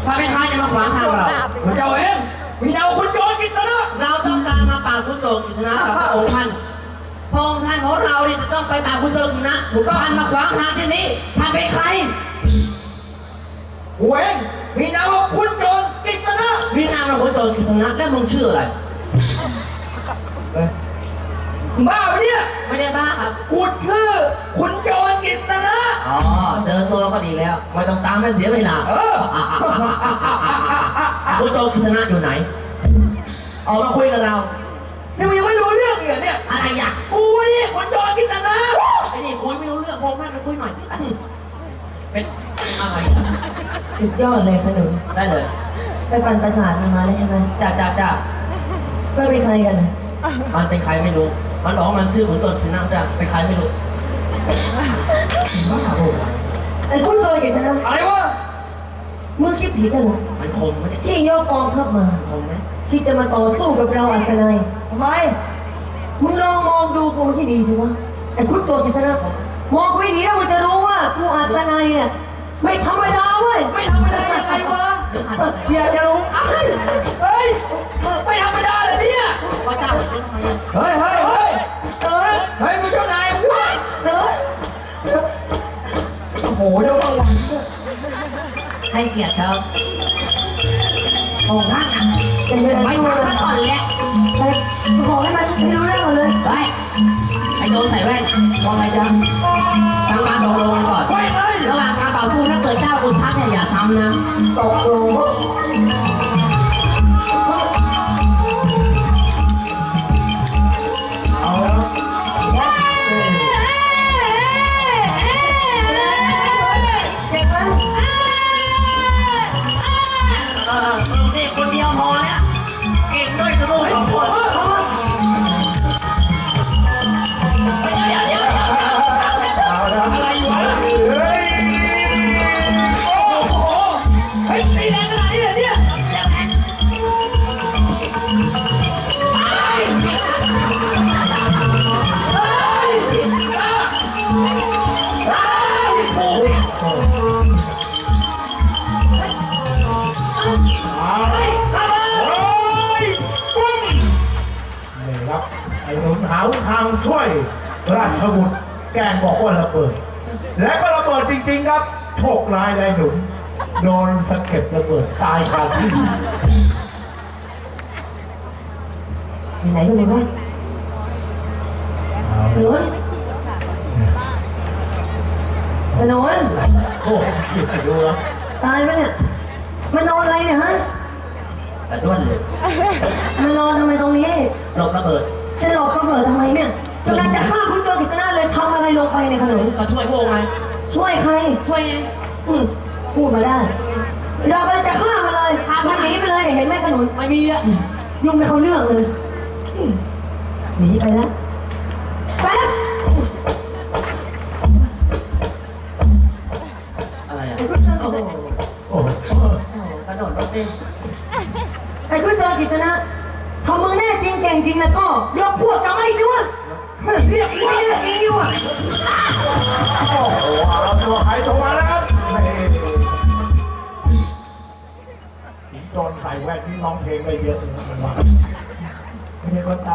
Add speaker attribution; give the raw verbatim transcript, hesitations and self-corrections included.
Speaker 1: ถ้าไม่ค้าจะมาขวางทางเรา
Speaker 2: พระเจ้าเองมีดาวคุณโจรกิษณะ
Speaker 1: เราต้องการมาปราบคุณโจรกิษณะกับพระองค์ท่านพระองค์ท่านของเราเนี่ยจะต้องไปปราบคุณโจรกิษณะถูกต้องมาขวางทางที่นี้ท่านเป็นใคร
Speaker 2: กูเองมีนามว่าคุณโจรกิษณะ
Speaker 1: มีนามว่าคุณโจรกิษณะแล้วมึงชื่ออะไร
Speaker 2: บ้าปะเนี่ย
Speaker 1: ไม่ได้บ้าครับ
Speaker 2: กูชื่อคุณโจรกิษณะ
Speaker 1: อ๋อเจอตัวก็ดีแล้วไม่ต้องตามไม่เสียเวลา
Speaker 2: เออ
Speaker 1: คุณโจรกิษณะอยู่ไหนออกมาคุยกับเรา
Speaker 2: นี่มึงยังไม่รู้เรื่องเหรอเนี่ย
Speaker 1: อะไรอยาก
Speaker 2: กูนี่คุณโจรกิษณะ
Speaker 1: ไอ้นี่คุยไม่รู้เรื่องพงแม่ไปคุยหน่อยเป็นอะไร
Speaker 3: สุดยอดเลยขนุน
Speaker 1: ได้เลย
Speaker 3: ไปปั่นประสาทมาแล้วใช่ไหม
Speaker 1: จ้าจ้าจ้า
Speaker 3: ก็เป็นใครกัน
Speaker 1: มันเป็นใครไม่รู้มันบอกมันชื่อขุนโจรกิษณะจ้าเป็นใครไม่รู้
Speaker 3: ไอ้คุณโจรกิษณะ
Speaker 2: อะไรวะ
Speaker 3: มึงคิดผิดกันเหรอ
Speaker 1: มันคมไหม
Speaker 3: ที่ยกกองทัพมา
Speaker 1: คมไหม
Speaker 3: คิดจะมาต่อสู้กับเราอัศนัย
Speaker 2: ทำไม
Speaker 3: มึงลองมองดูกูที่ดีสิวะไอ้คุณโจรกิษณะมองกูให้ดีแล้วมึงจะรู้ว่ากูอัศนัยเนี่ยไม่ธรรมดาเว้ย
Speaker 2: ไม่ธรรมดายังไงวะอย่าจะรู้เฮ้ยเฮ้ยไม่ธรรมดาเลยเนี่ย
Speaker 1: ก็เจ้า
Speaker 2: เฮ้ยเฮ้ยเฮ้ย
Speaker 3: เออ
Speaker 2: เฮ้ยมึงเจ้านายมึงวะ
Speaker 3: เออ
Speaker 2: โอ้โหเดี๋ยวระวัง
Speaker 1: ให้เกียรติครับโอ้ร่างอ่ะไม่ทำซะก่อนแหละ
Speaker 3: ไปบอกให้มันให้รู้เรื่องก่อนเลย
Speaker 1: ไปไอ้โจรใส่แว่นมองไงจ๊ะทางการตกลงกันก่อน
Speaker 2: ไม่เลย
Speaker 1: ระหว่างการต่อสู้ถ้าเกิดเจ้ากูชักเนี่ยอย่าซ้ำนะ
Speaker 3: ตกลง
Speaker 2: เอาแล้ว
Speaker 3: เด็กมัน
Speaker 1: เออนี่คนเดียวพอแล้วเก่งด้วยจะรู้สองคนเดี๋ยวเดี๋ยวเดี๋ยว
Speaker 2: อะไรวะเฮ้ยโอ้โหเฮ้ยตีแรงขนาดนี้เลยเนี่ย
Speaker 4: ไอ้หนุนหาทางช่วยราชบุตรแกล้งบอกว่าระเบิดและก็ระเบิดจริงๆครับโชคร้ายเลยหนุนโดนสะเก็ดระเบิดตายคาที่
Speaker 3: ไหนกันเลยวะขนุนขนุน
Speaker 4: โอ้ยดูแล้ว
Speaker 3: ตายไหมเนี่ยมันนอนอะไรเนี่ยฮะ
Speaker 1: แต่ด้วนเลย
Speaker 3: มันนอนทำไมตรงนี้
Speaker 1: หลบระเบิด
Speaker 3: จะหลบระเบิดทำไมเนี่ยกำลังจะฆ่าคุณโจรกิษณะเลยทำอะไรลงไปในขนม
Speaker 1: ก็ช่วยพวกไง
Speaker 3: ช่วยใคร
Speaker 1: ช่วยไง
Speaker 3: อืมพูดมาได้เรากำลังจะฆ่ามันเลยพามันหนีไปเลยเห็นไหมขนุน
Speaker 1: ไม่มีอ่ะ
Speaker 3: ยุ่งไม่เขาเรื่องเลยหนีไปแล้วไปแล้ว
Speaker 1: อะไรอ่ะ
Speaker 3: โอ้โห
Speaker 4: โอ้โห
Speaker 1: กระโดดรถเต้น
Speaker 3: ไอ้คุณโจรกิษณะถ้ามึงแน่จริงเก่งจริงแล้วก็ยกพวกกลับมาอีกสิวะเรียกว่าเรียกอีกวะ
Speaker 4: โอ้โหเอาตัวใครตัวมาแล้วครับโจรใส่แว่นนี่ร้องเพลงไปเยอะเลยมันว่าไม่ใช่คนตา